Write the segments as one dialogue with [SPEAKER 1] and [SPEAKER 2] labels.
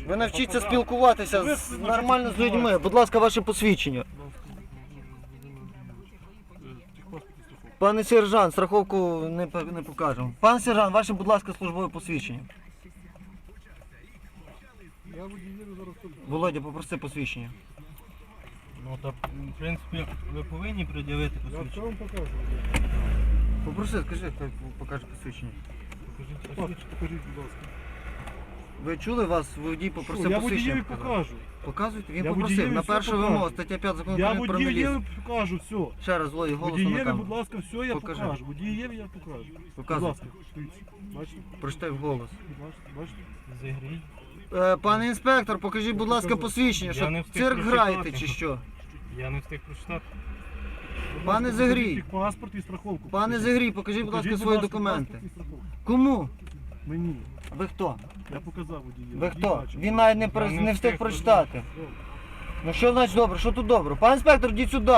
[SPEAKER 1] Ви навчіться спілкуватися нормально з людьми. Будь ласка, ваше посвідчення. Пане сержант, страховку не покажемо. Пане сержант, ваше, будь ласка, службове посвідчення. Володя, попроси посвідчення.
[SPEAKER 2] Ну так, в принципі, ви повинні пред'явити посвідчення.
[SPEAKER 3] Я вам покажу.
[SPEAKER 1] Попроси, скажи, хай покаже посвідчення.
[SPEAKER 3] Покажіть, будь ласка.
[SPEAKER 1] Ви чули, вас водій попросив
[SPEAKER 3] Я
[SPEAKER 1] посвідчення
[SPEAKER 3] водієві
[SPEAKER 1] показати?
[SPEAKER 3] покажу.
[SPEAKER 1] Показуйте? Він
[SPEAKER 3] Я
[SPEAKER 1] попросив.
[SPEAKER 3] водієві
[SPEAKER 1] На
[SPEAKER 3] все
[SPEAKER 1] першу
[SPEAKER 3] покажу.
[SPEAKER 1] вимогу, стаття 5 закону
[SPEAKER 3] Я
[SPEAKER 1] України про міліцію.
[SPEAKER 3] водієві покажу все.
[SPEAKER 1] Ще раз, Володя, голосом на
[SPEAKER 3] Водієві,
[SPEAKER 1] камеру.
[SPEAKER 3] будь ласка, все я
[SPEAKER 1] Покажи.
[SPEAKER 3] покажу. Водієві я покажу.
[SPEAKER 1] Показуй.
[SPEAKER 3] Будь ласка, дивіться. Бачите?
[SPEAKER 1] Прочитай вголос.
[SPEAKER 3] Бачите?
[SPEAKER 2] Зігрій.
[SPEAKER 1] Пане інспектор, покажіть, будь ласка, посвідчення,
[SPEAKER 2] Я
[SPEAKER 1] що
[SPEAKER 2] не встиг
[SPEAKER 1] цирк
[SPEAKER 2] прочитати.
[SPEAKER 1] граєте чи що?
[SPEAKER 2] Я не встиг прочитати.
[SPEAKER 3] Будь
[SPEAKER 1] Пане
[SPEAKER 3] ласка,
[SPEAKER 1] Загрій.
[SPEAKER 3] покажіть паспорт і страховку.
[SPEAKER 1] Пане
[SPEAKER 3] Покажіть.
[SPEAKER 1] Загрій, покажіть, будь ласка, свої документи.
[SPEAKER 3] паспорт і страховку.
[SPEAKER 1] Кому?
[SPEAKER 3] Мені.
[SPEAKER 1] Ви хто?
[SPEAKER 3] Я показав водієві.
[SPEAKER 1] Ви хто?
[SPEAKER 3] Водій бачив.
[SPEAKER 1] Він навіть не встиг прочитати. Ну що значить добре? Що тут добре? Пане інспектор, йдіть сюди.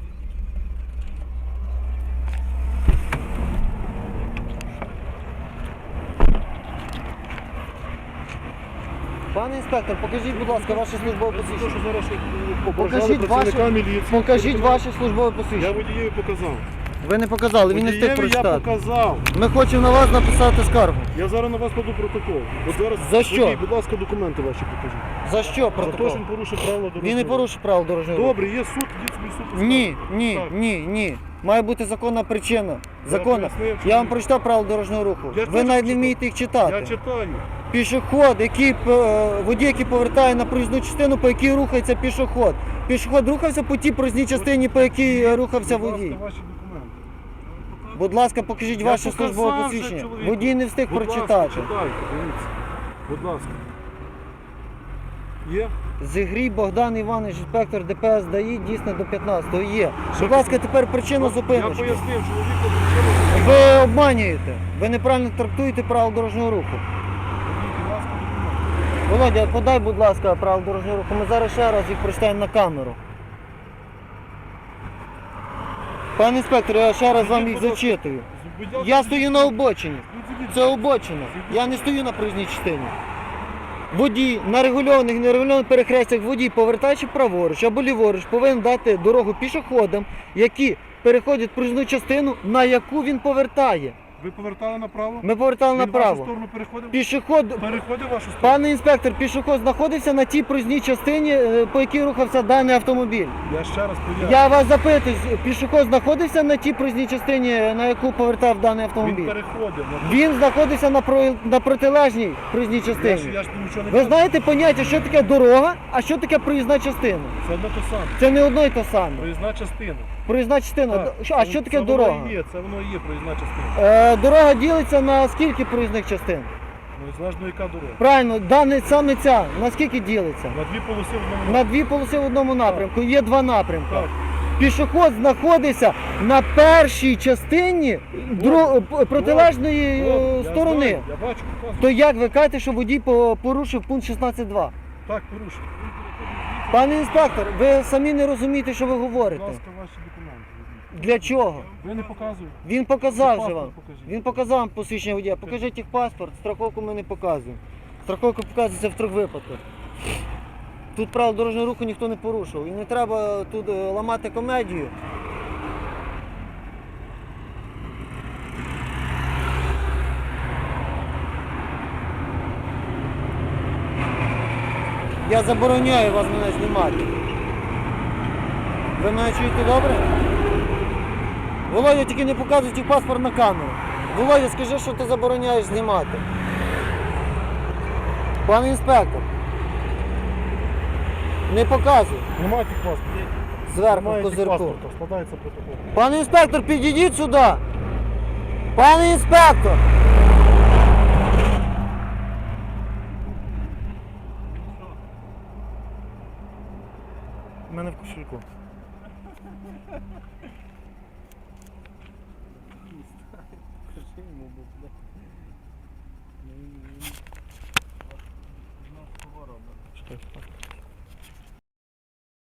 [SPEAKER 1] Пане інспектор, покажіть, будь ласка, ваше службове
[SPEAKER 3] Те, що
[SPEAKER 1] посвідчення.
[SPEAKER 3] зараз
[SPEAKER 1] Покажіть
[SPEAKER 3] працівника
[SPEAKER 1] ваше-
[SPEAKER 3] міліції.
[SPEAKER 1] Покажіть ваше службове
[SPEAKER 3] Я
[SPEAKER 1] посвідчення.
[SPEAKER 3] водієві показав.
[SPEAKER 1] Ви не показали, він не встиг
[SPEAKER 3] Водієві я
[SPEAKER 1] прочитати.
[SPEAKER 3] показав.
[SPEAKER 1] Ми хочемо на вас написати скаргу.
[SPEAKER 3] Я зараз на вас кладу протокол. От зараз,
[SPEAKER 1] За що?
[SPEAKER 3] водій, будь ласка, документи ваші покажіть.
[SPEAKER 1] За що
[SPEAKER 3] За те,
[SPEAKER 1] протокол?
[SPEAKER 3] що він порушив правила дорожнього
[SPEAKER 1] Він не
[SPEAKER 3] руху.
[SPEAKER 1] порушив правил дорожнього руху.
[SPEAKER 3] Добре, є суд, йдіть собі суд.
[SPEAKER 1] Ні, ні,
[SPEAKER 3] Так.
[SPEAKER 1] ні. Має бути законна причина. Законна.
[SPEAKER 3] пояснив,
[SPEAKER 1] Я
[SPEAKER 3] чому.
[SPEAKER 1] вам прочитав правила дорожнього руху.
[SPEAKER 3] Я
[SPEAKER 1] Ви
[SPEAKER 3] теж
[SPEAKER 1] навіть не
[SPEAKER 3] прочитав.
[SPEAKER 1] вмієте їх
[SPEAKER 3] Я
[SPEAKER 1] читати.
[SPEAKER 3] читаю.
[SPEAKER 1] Пішоход, водій, який повертає на проїзну частину, по якій рухається пішоход. Пішоход рухався по тій проїзній частині, по якій рухався
[SPEAKER 3] Будь
[SPEAKER 1] водій.
[SPEAKER 3] ласка, ваші документи.
[SPEAKER 1] Будь ласка, покажіть
[SPEAKER 3] Я
[SPEAKER 1] ваше
[SPEAKER 3] показав
[SPEAKER 1] службове
[SPEAKER 3] вже
[SPEAKER 1] посвідчення.
[SPEAKER 3] чоловіку.
[SPEAKER 1] Водій не встиг
[SPEAKER 3] Будь ласка,
[SPEAKER 1] прочитати.
[SPEAKER 3] читайте, дивіться. Будь ласка. Є?
[SPEAKER 1] Зігрій Богдан Іванович, інспектор ДПС ДАІ, дійсно до 15-го є. Будь ласка, тепер причина
[SPEAKER 3] Я
[SPEAKER 1] зупиночки.
[SPEAKER 3] пояснив, чоловіку причину.
[SPEAKER 1] Ви обманюєте. Ви неправильно трактуєте правила дорожнього руху.
[SPEAKER 3] Будь ласка, документи.
[SPEAKER 1] Володя, подай, будь ласка, правила дорожнього руху. Ми зараз ще раз їх прочитаємо на камеру. Пане інспектор, я ще раз вам їх зачитую.
[SPEAKER 3] Будь ласка,
[SPEAKER 1] Я стою на обочині.
[SPEAKER 3] зійдіть.
[SPEAKER 1] Це обочина. Я не стою на проїзній частині. Водій на регульованих і нерегульованих перехрестях водій, повертаючи праворуч або ліворуч, повинен дати дорогу пішоходам, які переходять проїзну частину, на яку він повертає.
[SPEAKER 3] Ви повертали направо?
[SPEAKER 1] Ми повертали
[SPEAKER 3] Він в вашу
[SPEAKER 1] направо.
[SPEAKER 3] сторону переходив?
[SPEAKER 1] Пішоход,
[SPEAKER 3] Переходив в вашу сторону?
[SPEAKER 1] пане інспектор, пішоход знаходився на тій проїзній частині, по якій рухався даний автомобіль.
[SPEAKER 3] Я ще раз поясню.
[SPEAKER 1] Я вас запитую, пішоход знаходився на тій проїзній частині, на яку повертав даний
[SPEAKER 3] Він
[SPEAKER 1] автомобіль?
[SPEAKER 3] переходив.
[SPEAKER 1] Він знаходився на протилежній проїзній
[SPEAKER 3] Я ж
[SPEAKER 1] частині.
[SPEAKER 3] нічого не
[SPEAKER 1] Ви
[SPEAKER 3] кажу.
[SPEAKER 1] знаєте поняття, що таке дорога, а що таке проїзна частина?
[SPEAKER 3] Це одно те саме.
[SPEAKER 1] Це не одно й те саме.
[SPEAKER 3] Проїзна частина.
[SPEAKER 1] Проїзна частина.
[SPEAKER 3] Так.
[SPEAKER 1] А що таке
[SPEAKER 3] Це
[SPEAKER 1] дорога?
[SPEAKER 3] Воно і є, це воно і є проїзна частина.
[SPEAKER 1] Дорога ділиться на скільки проїзних частин?
[SPEAKER 3] Ну і залежно яка дорога.
[SPEAKER 1] Правильно, саме ця, на скільки ділиться?
[SPEAKER 3] На дві полоси в одному.
[SPEAKER 1] На дві полоси в одному напрямку, є два напрямки.
[SPEAKER 3] Так.
[SPEAKER 1] Пішоход знаходиться на першій частині протилежної
[SPEAKER 3] Я
[SPEAKER 1] сторони.
[SPEAKER 3] знаю, я бачу, показую.
[SPEAKER 1] То як ви кажете, що водій порушив пункт 16.2?
[SPEAKER 3] Так, порушив.
[SPEAKER 1] Пане інспектор, ви самі не розумієте, що ви
[SPEAKER 3] Будь
[SPEAKER 1] говорите.
[SPEAKER 3] ласка, ваші документи. візьміть.
[SPEAKER 1] Для чого?
[SPEAKER 3] Ви не показуєте.
[SPEAKER 1] Він показав же
[SPEAKER 3] Паспорт
[SPEAKER 1] вам.
[SPEAKER 3] покажіть.
[SPEAKER 1] Він показав вам посвідчення водія. Покажіть їх паспорт, страховку ми не показуємо. Страховка показується в 3 випадках. Тут правил дорожнього руху ніхто не порушив. І не треба тут ламати комедію. Я забороняю вас мене знімати. Ви мене чуєте добре? Володя, тільки не показуй ті паспорт на камеру. Володя, скажи, що ти забороняєш знімати. Пане інспектор. Не показуй.
[SPEAKER 3] Немає тих паспортів.
[SPEAKER 1] Зверху
[SPEAKER 3] Немає тих
[SPEAKER 1] козирку.
[SPEAKER 3] паспортів. Складається протокол.
[SPEAKER 1] Пане інспектор, підійдіть сюди. Пане інспектор.
[SPEAKER 3] У мене в кошельку. Читай,